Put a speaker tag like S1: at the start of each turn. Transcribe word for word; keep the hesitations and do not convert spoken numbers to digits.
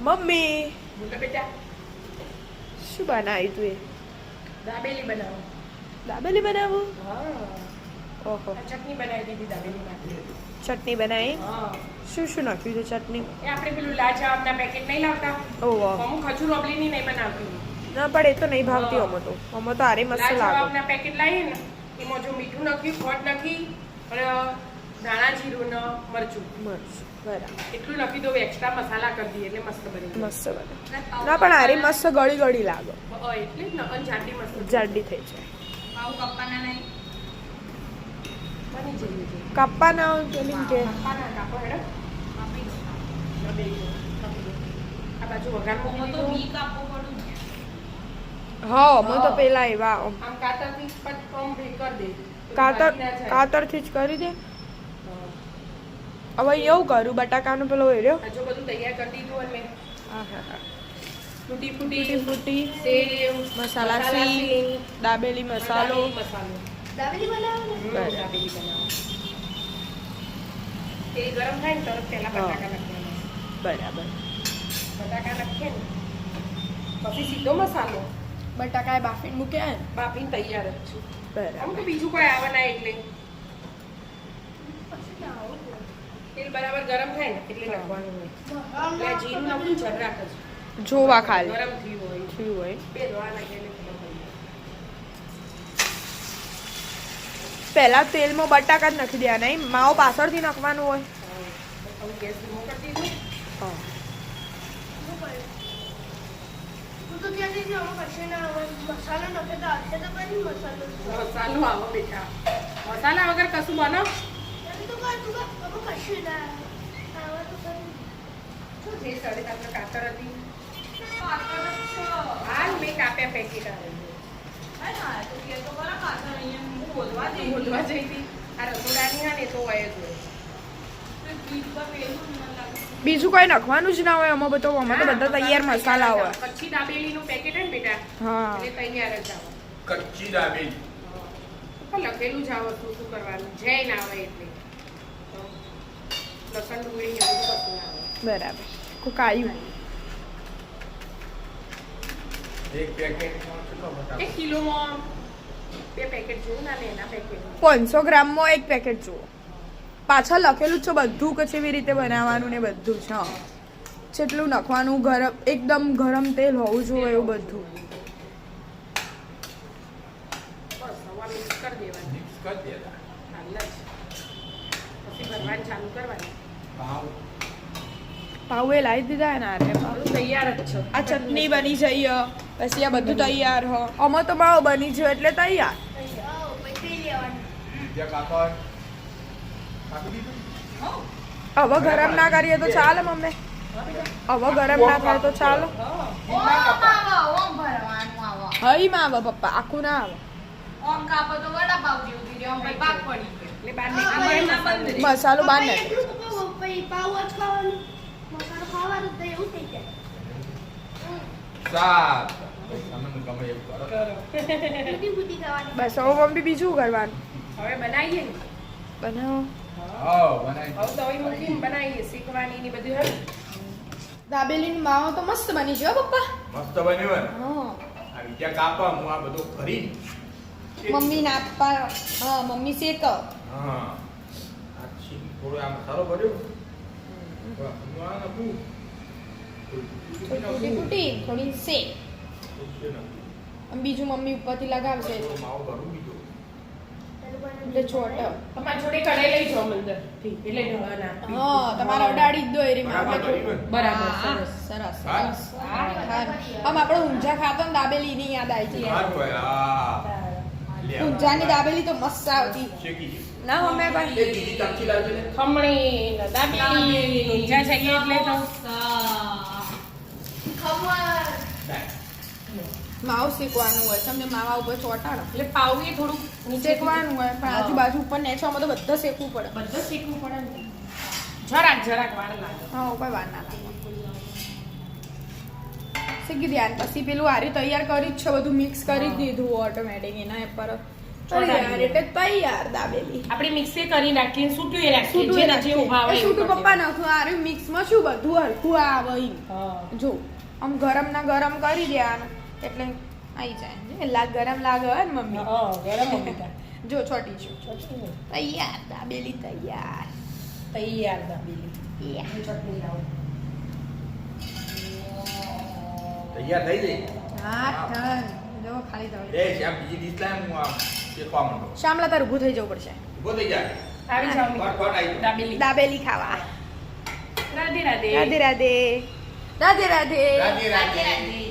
S1: Mummy
S2: બોલો બેટા
S1: શું બનાવ્યું તું એ?
S2: દાબેલી બનાવો.
S1: દાબેલી બનાવું?
S2: હા
S1: ઓહો,
S2: આ ચટણી બનાવી દીધી દાબેલી માટે.
S1: ચટણી બનાવી?
S2: હા
S1: શું શું નાખ્યું છે ચટણી?
S2: એ આપણે પેલું લાજવાબના પેકેટ નહીં લાવતા
S1: ઓહો,
S2: અમુક ખજૂર ઓબલીની નહીં બનાવતી.
S1: ના પણ એ તો નહીં ભાવતી
S2: હા.
S1: અમો તો અમો તો આરે મસ્ત લાગે.
S2: લાજવાબના પેકેટ લાવીએ ને એમાં જો મીઠું નાખ્યું, ખોટ નાખી અને ધાણા જીરું ને મરચું
S1: મસ્ત, બરાબર,
S2: એટલું નાખી દો, એક્સ્ટ્રા મસાલા કરી દઈએ એટલે મસ્ત બની જાય.
S1: મસ્ત બને. ના પણ આરે મસ્ત ગળી ગળી લાગે,
S2: હા, એટલે જ ને અને જાડી મસ્ત
S1: જાડી થઈ જાય.
S2: આવું કપ્પાના નહીં બની જઈએ છે.
S1: કાપા ના પેલી કે
S2: કપ્પાના કાપો હેડો કાપી દો. ના બે જો, કાપી દો. આ બાજુ વઘાર મૂકી દીધો.
S1: હા અમે તો પેલા એવા આમ
S2: આમ કાતરથી પટ પમ ભી કરી દે.
S1: કાતર
S2: ભાગી ના જાય.
S1: કાતરથી જ કરી દે.
S2: હા.
S1: હવે એવું કરું બટાકાનો પેલો એર્યો.
S2: આ જો બધું તૈયાર કરી દીધું અને મેં
S1: હા હા હા,
S2: ફૂટી
S1: ફૂટી
S2: ફૂટી
S1: ફૂટી
S2: સેવ
S1: મસાલા
S2: સિંગ,
S1: સિંગ, દાબેલી મસાલો.
S2: દાબેલી મસાલો.
S3: દાબેલી બનાવો
S2: હમ,
S1: બરાબર.
S2: દાબેલી બનાવો. તેલ ગરમ થાય ને તરત પહેલા
S1: હા.
S2: બટાકા નાખવાના.
S1: બરાબર.
S2: બટાકા નાખીએ ને પછી સીધો મસાલો
S1: બટાકા બાફીને મૂક્યા ને?
S2: બાફીને તૈયાર જ છે.
S1: બરાબર.
S2: આમ તો બીજું કોઈ આવે ના એટલે તેલ બરાબર ગરમ થાય ને એટલે
S1: હા.
S2: નાખવાનું હોય. એટલે આ જીરું નાખું જરાક જ
S1: જોવા ખાલી
S2: ગરમ થયું હોય
S1: થયું હોય.
S2: બે દવા નાખીને ખબર પડી જાય.
S1: પહેલા તેલમાં બટાકા જ નાખી દેવાના નહીં, માવો પાછળથી નાખવાનું હોય.
S2: હા. હવે ગેસ ધીમો કરી દીધો.
S1: હા.
S3: હું તો ત્યાંથી જ આમાં કશું ના આવે. મસાલો નાખે તો આવશે તો બની મસાલો.
S2: મસાલો આવો બેટા, મસાલા વગર કશું બનાવ.
S3: ત્યાંથી તો કાંઈ તું કાંઈ આમાં કશું ના આવે. આવા તો કરી.
S2: શું છે સડે આપણે કાતર હતી હાલ મેં કાપ્યા પેકેટ આવે બોલવા જઈ હતી આ રસોડાની હા ને તો હોય જ હોય.
S1: બીજું કોઈ નાખવાનું જ ના હોય આમાં બધો, આમાં તો બધા તૈયાર મસાલા હોય.
S2: કચ્છી દાબેલીનું પેકેટ હોય ને બેટા
S1: હા.
S2: એટલે તૈયાર જ આવે.
S4: કચ્ચી દાબેલી
S2: પણ લખેલું જ આવે શું શું કરવાનું જય ના આવે એટલે તો લસણ ડુંગળી એવું બધું કશું ના આવે.
S1: બરાબર. કોક આવ્યું.
S4: એક પેકેટમાં કેટલો બટાકો?
S2: એક કિલોમાં બે પેકેટ જોઉં ના એના પેકેટ
S1: પાંચસો ગ્રામમાં એક પેકેટ જુઓ. પાછળ લખેલું જ છે બધું કે કેવી રીતે બનાવવાનું ને બધું છે. હા. જેટલું નાખવાનું, ગરમ એકદમ ગરમ તેલ હોવું જોઈએ એવું બધું.
S2: બસ હવા મિક્સ કરી દેવાની
S4: મિક્સ કરી દેતા
S2: હાલ જ પછી ભરવાની ચાલુ કરવાની.
S4: ભાવ
S1: પાવ એ લાવી દીધા ને આરે પાવ.
S2: બધું તૈયાર જ છે.
S1: આ ચટણી બની જઈએ પછી આ બધું તૈયાર હો. આમાં તો માવો બની ગયો એટલે તૈયાર.
S3: આવો, પછી પી લેવાનું.
S4: બીજા કાપડ કાપી દીધું?
S1: હવે ગરમ ના કરીએ તો ચાલે મમ્મી? હવે ગરમ ના થાય તો ચાલો.
S2: હા.
S3: ઓમ આવો, ઓમ ભરવાનું આવો.
S1: હઈ માં આવે પપ્પા, આખું ના આવે.
S3: ઓમ કાપો તો વડાપાવ જેવું થઈ જાય. ઓમ પછી પાક પડી જાય.
S2: એટલે બાર નીકળી જાય ને બંધ રહે.
S1: મસાલો બહાર
S3: પછી
S1: નાખે.
S3: એટલું તો કહું, પછી પાવ જ ખાવાનું. મસાલો ખાવાનું તો એવું થઈ જાય.
S4: સાત તમને ગમે એવું કરો.
S3: બુદ્ધિ બુદ્ધિ ખાવાની.
S1: બસ હવે મમ્મી બીજું કરવાનું.
S2: હવે બનાવીએ ને
S1: બનાવો.
S4: હા બનાવી
S2: હવે તો હવે મૂકીને બનાવીએ શીખવાની ને બધું હે.
S1: દાબેલીની માવો તો મસ્ત બની ગયો પપ્પા.
S4: મસ્ત બન્યું ને
S1: હા.
S4: આ બીજા કાપા હું આ બધું કરી
S1: મમ્મી નાપા, હા મમ્મી શેક.
S4: હા આ છીન થોડો આ મસાલો ભર્યો હું આ નાખું
S1: થોડી ફૂટી થોડી શેક. અને બીજું મમ્મી ઉપરથી લગાવશે
S4: થોડો માવો ભરું બીજો
S1: એટલે ચોટ.
S2: તમારી જોડે કઢાઈ લઈ જાઓ અંદર થી એટલે ઢળા ના
S1: હા તમારે અડાડી જ દો એ રીતના.
S4: બરાબર કર્યું ને?
S2: બરાબર
S1: હા,
S2: સરસ.
S1: સરસ
S4: હા?
S1: સરસ. હા. આમ આપણે ઊંઝા ખાતો ને દાબેલી ની યાદ આવી જાય.
S4: સારું હોય હા લે આ.
S1: ઊંઝાની દાબેલી તો મસ્ત આવતી.
S4: શેકી દે.
S1: ના મમ્મી
S4: એ
S1: ભાઈ?
S4: બીજી ચમચી લાવજે ને
S2: ખમણી ને દાબેલી ઊંઝા છે એટલે તો
S3: ખબર.
S4: લાય.
S1: માવ શેકવાનું હોય તમને માવા ઉપર ચોટાડો
S2: એટલે પાવું એ થોડુંક નીચે
S1: શેકવાનું હોય પણ આજુબાજુ ઉપર નેચવામાં તો બધા શેકવું પડે.
S2: બધું શીખવું પડે ને જરાક જરાક વાર લાગે.
S1: હા ઉપર વાર ના લાગે. શીખી દે પછી પેલું આરી તૈયાર કરી જ છે બધું મિક્સ કરી જ દીધું ઓટોમેટિક એના પર તૈયાર એટલે તૈયાર દાબેલી
S2: આપણે મિક્સે કરી નાખીએ સૂટું એ રાખીએ
S1: સૂટું
S2: જેને
S1: રાખીએ.
S2: જેવું ભાવે
S1: એ
S2: એવું
S1: સૂટું
S2: કરી
S1: પપ્પા નાખું આરે મિક્સમાં શું બધું હરખું આવે ઈ.
S2: હા.
S1: જો આમ ગરમ ના ગરમ કરી દેવાનું એટલે આવી જાય જે લાગ ગરમ લાગે હોય ને મમ્મી
S2: હા, ગરમ મમ્મી
S1: જો છોટી છું તૈયાર દાબેલી તૈયાર
S2: તૈયાર દાબેલી
S1: Yeah.
S2: હું ચટણી લાવું
S4: તૈયાર થઈ જઈ
S1: હા ઠન જો ખાલી જાવ
S4: એ શ્યામ બીજી ડીશ લાય હું આમ શેકવા માંડો
S1: શામલા તાર ઊભું થઈ જવું પડશે
S4: ઉભો થઈ જા
S2: આવી જાઓ
S4: ફટ ફટ આવી જાઓ.
S2: દાબેલી
S1: દાબેલી ખાવા
S2: રાધે રાધે
S1: રાધે રાધે રાધે રાધે
S4: રાધે રાધે
S2: રાધે રાધે